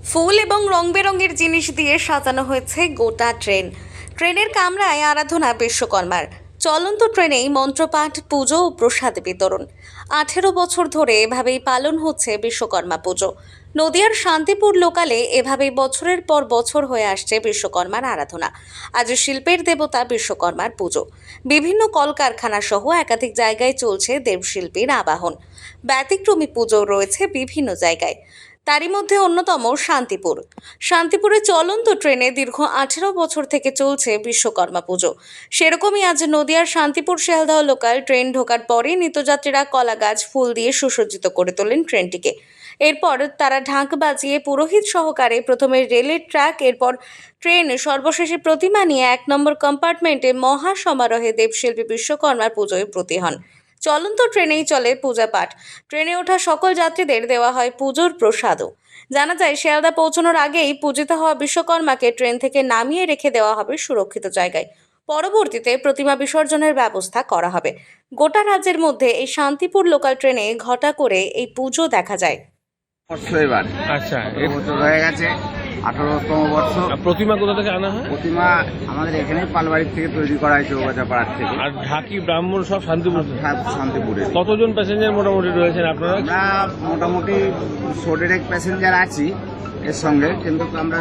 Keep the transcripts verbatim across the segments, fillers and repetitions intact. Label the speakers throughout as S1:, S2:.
S1: ফুল এবং রং বেরঙের জিনিস দিয়ে সাজানো হয়েছে গোটা ট্রেন। ট্রেনের কামরায় আরাধনা বিশ্বকর্মার। চলন্ত ট্রেনেই মন্ত্রপাঠ, পুজো ও প্রসাদ বিতরণ। আঠেরো বছর ধরে এভাবেই পালন হচ্ছে বিশ্বকর্মা পুজো। নদিয়ার শান্তিপুর লোকালে এভাবেই বছরের পর বছর হয়ে আসছে বিশ্বকর্মার আরাধনা। আজ শিল্পের দেবতা বিশ্বকর্মার পুজো। বিভিন্ন কলকারখানা সহ একাধিক জায়গায় চলছে দেবশিল্পীর আবাহন। ব্যতিক্রমী পুজো রয়েছে বিভিন্ন জায়গায়, তারই মধ্যে অন্যতম শান্তিপুর। শান্তিপুরে চলন্ত ট্রেনে দীর্ঘ আঠেরো বছর থেকে চলছে বিশ্বকর্মা পুজো। সেরকমই আজ নদিয়ার শান্তিপুর শিয়ালদহ লোকাল ট্রেন ঢোকার পরে নিত্যযাত্রীরা কলা গাছ, ফুল দিয়ে সুসজ্জিত করে তোলেন ট্রেনটিকে। এরপর তারা ঢাক বাজিয়ে পুরোহিত সহকারে প্রথমে রেলের ট্র্যাক, এরপর ট্রেন, সর্বশেষে প্রতিমা নিয়ে এক নম্বর কম্পার্টমেন্টে মহা সমারোহে দেবশিল্পী বিশ্বকর্মার পুজোয় ব্রতী হন। চলন্ত ট্রেনেই চলে পূজা পাঠ। ট্রেনে ওঠা সকল যাত্রীদের দেওয়া হয় পুজোর প্রসাদও। জানা যায়, শিয়ালদা পৌঁছানোর আগেই পূজিত হওয়া বিশ্বকর্মাকে ট্রেন থেকে নামিয়ে রেখে দেওয়া হবে সুরক্ষিত জায়গায়। পরবর্তীতে প্রতিমা বিসর্জনের ব্যবস্থা করা হবে। গোটা রাজ্যের মধ্যে এই শান্তিপুর লোকাল ট্রেনে ঘটা করে এই পুজো দেখা যায়।
S2: বর্ষ এবার
S3: আচ্ছা,
S2: আঠারো বছর হয়ে গেছে, আঠারোতম বর্ষ।
S3: আর প্রতিমা কোথা থেকে আনা হয়?
S2: প্রতিমা আমাদের এখানে পালবাড়ির থেকে তৈরি করা হয়, চৌগাছা পাড়ার থেকে।
S3: আর ঢাকি, ব্রাহ্মণ সব শান্তিপুর থেকে?
S2: সব শান্তিপুরে।
S3: কতজন প্যাসেঞ্জার মোটামুটি রয়েছেন আপনারা?
S2: আমরা মোটামুটি শোডের প্যাসেঞ্জার আছি এর সঙ্গে, কিন্তু আমরা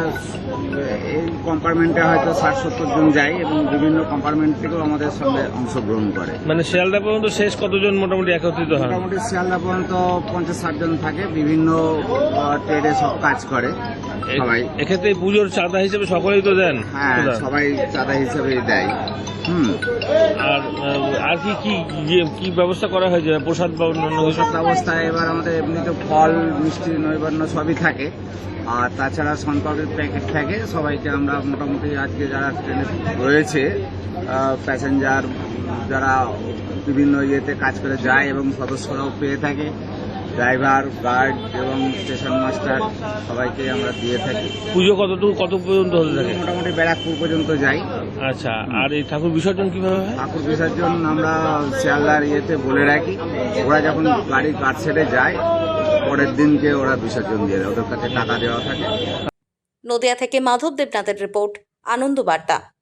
S2: এই কম্পার্টমেন্টে হয়তো ষাট সত্তর জন যাই এবং বিভিন্ন কম্পার্টমেন্ট থেকেও আমাদের সঙ্গে অংশগ্রহণ করে।
S3: মানে শিয়ালদা পর্যন্ত শেষ কতজন মোটামুটি একত্রিত হয়?
S2: মোটামুটি শিয়ালদা পর্যন্ত পঞ্চাশ ষাট জন থাকে, বিভিন্ন ট্রেডে সব কাজ করে সবাই।
S3: এক্ষেত্রে পুজোর চাঁদা হিসেবে সকলেই তো দেন?
S2: হ্যাঁ, সবাই চাঁদা হিসেবেই দেয়। হুম
S3: আর আর কি কি যে- কি ব্যবস্থা করা হয়েছে প্রসাদ বা অন্যান্য কিছু?
S2: প্রসাদ ব্যবস্থায় এবার আমাদের এমনিতে ফল, মিষ্টি, নৈবেদ্য সবই থাকে, আর তাছাড়া শনপাপড়ির প্যাকেট থাকে। সবাইকে আমরা মোটামুটি আজকে যারা ট্রেনে রয়েছে, প্যাসেঞ্জার যারা বিভিন্ন ইয়েতে কাজ করে যায় এবং সদস্যরাও পেয়ে থাকে, ড্রাইভার, গার্ড এবং স্টেশন মাস্টার সবাইকে আমরা দিয়ে থাকি।
S3: পুজো কতটুকু কত পর্যন্ত হতে থাকে?
S2: মোটামুটি ব্যারাকপুর পর্যন্ত যাই।
S3: আচ্ছা, আর এই ঠাকুর বিসর্জন কিভাবে হয়?
S2: ঠাকুর বিসর্জন আমরা শিয়ালদার ইয়েতে বলে রাখি, ওরা যখন গাড়ি কাট সেটে যায় পরের দিনকে ওরা বিসর্জন দিয়ে দেয়, ওদের কাছে টাকা দেওয়া থাকে।
S1: নদিয়া থেকে মাধব দেবনাথের রিপোর্ট, আনন্দ বার্তা।